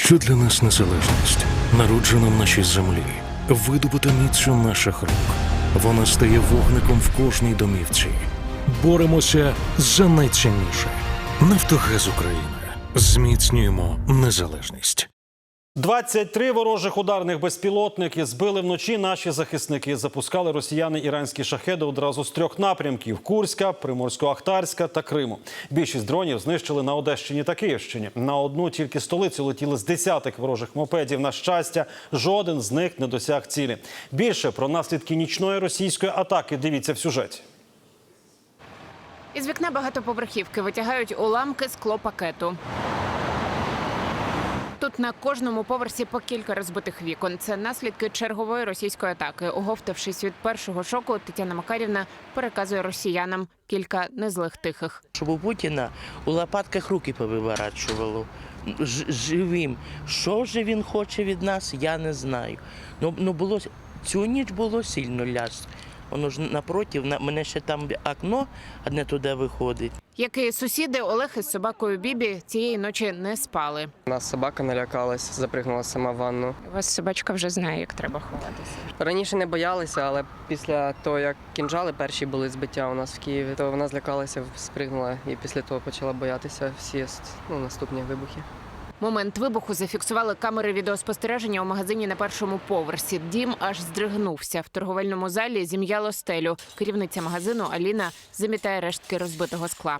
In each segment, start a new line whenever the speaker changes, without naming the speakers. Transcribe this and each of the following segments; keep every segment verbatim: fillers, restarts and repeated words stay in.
Що для нас незалежність? Народжена в нашій землі, видобута міцю наших рук. Вона стає вогником в кожній домівці. Боремося за найцінніше. Нафтогаз України. Зміцнюємо незалежність.
двадцять три ворожих ударних безпілотники збили вночі наші захисники. Запускали росіяни іранські шахеди одразу з трьох напрямків – Курська, Приморсько-Ахтарська та Криму. Більшість дронів знищили на Одещині та Київщині. На одну тільки столицю летіли з десяток ворожих мопедів. На щастя, жоден з них не досяг цілі. Більше про наслідки нічної російської атаки дивіться в сюжеті.
Із вікна багатоповерхівки витягають уламки склопакету. Тут на кожному поверсі по кілька розбитих вікон. Це наслідки чергової російської атаки. Оговтавшись від першого шоку, Тетяна Макарівна переказує росіянам кілька незлих тихих.
Щоб у Путіна у лопатках руки повиворачувало. Ж- живим. Що ж він хоче від нас, я не знаю. Ну, ну було, цю ніч було сильно ляс. Воно ж напротив, на мене ще там окно одне туди виходить.
Як і сусіди, Олег із собакою Бібі цієї ночі не спали.
У нас собака налякалась, запригнула сама в ванну.
У вас собачка вже знає, як треба ховатися.
Раніше не боялися, але після того, як кінжали перші були збиття у нас в Києві, то вона злякалася, спригнула і після того почала боятися всі ну, наступні вибухи.
Момент вибуху зафіксували камери відеоспостереження у магазині на першому поверсі. Дім аж здригнувся. В торговельному залі зім'яло стелю. Керівниця магазину Аліна замітає рештки розбитого скла.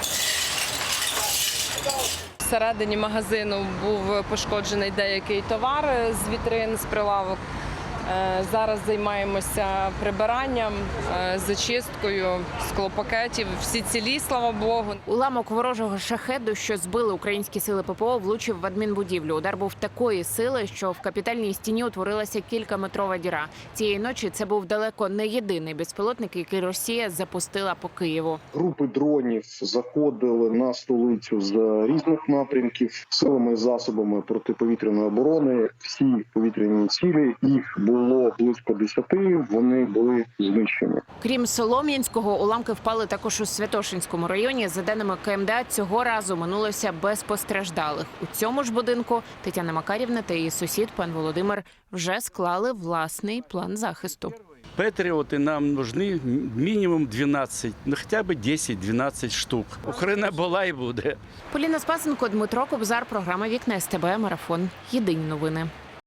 Всередині магазину був пошкоджений деякий товар з вітрин, з прилавок. Зараз займаємося прибиранням, зачисткою склопакетів. Всі цілі, слава Богу.
Уламок ворожого шахеду, що збили українські сили ППО, влучив в адмінбудівлю. Удар був такої сили, що в капітальній стіні утворилася кількаметрова діра. Цієї ночі це був далеко не єдиний безпілотник, який Росія запустила по Києву.
Групи дронів заходили на столицю з різних напрямків силами і засобами протиповітряної оборони. Всі повітряні цілі, їх було близько десяти, вони були знищені.
Крім Солом'янського, уламки впали також у Святошинському районі. За даними КМДА, цього разу минулося без постраждалих. У цьому ж будинку Тетяна Макарівна та її сусід, пан Володимир, вже склали власний план захисту.
Патріоти нам нужны мінімум дванадцять, ну хоча б десять-дванадцять штук. Україна була і буде.
Поліна Спасенко, Дмитро Кобзар, програма «Вікна СТБ», марафон. Єдині новини.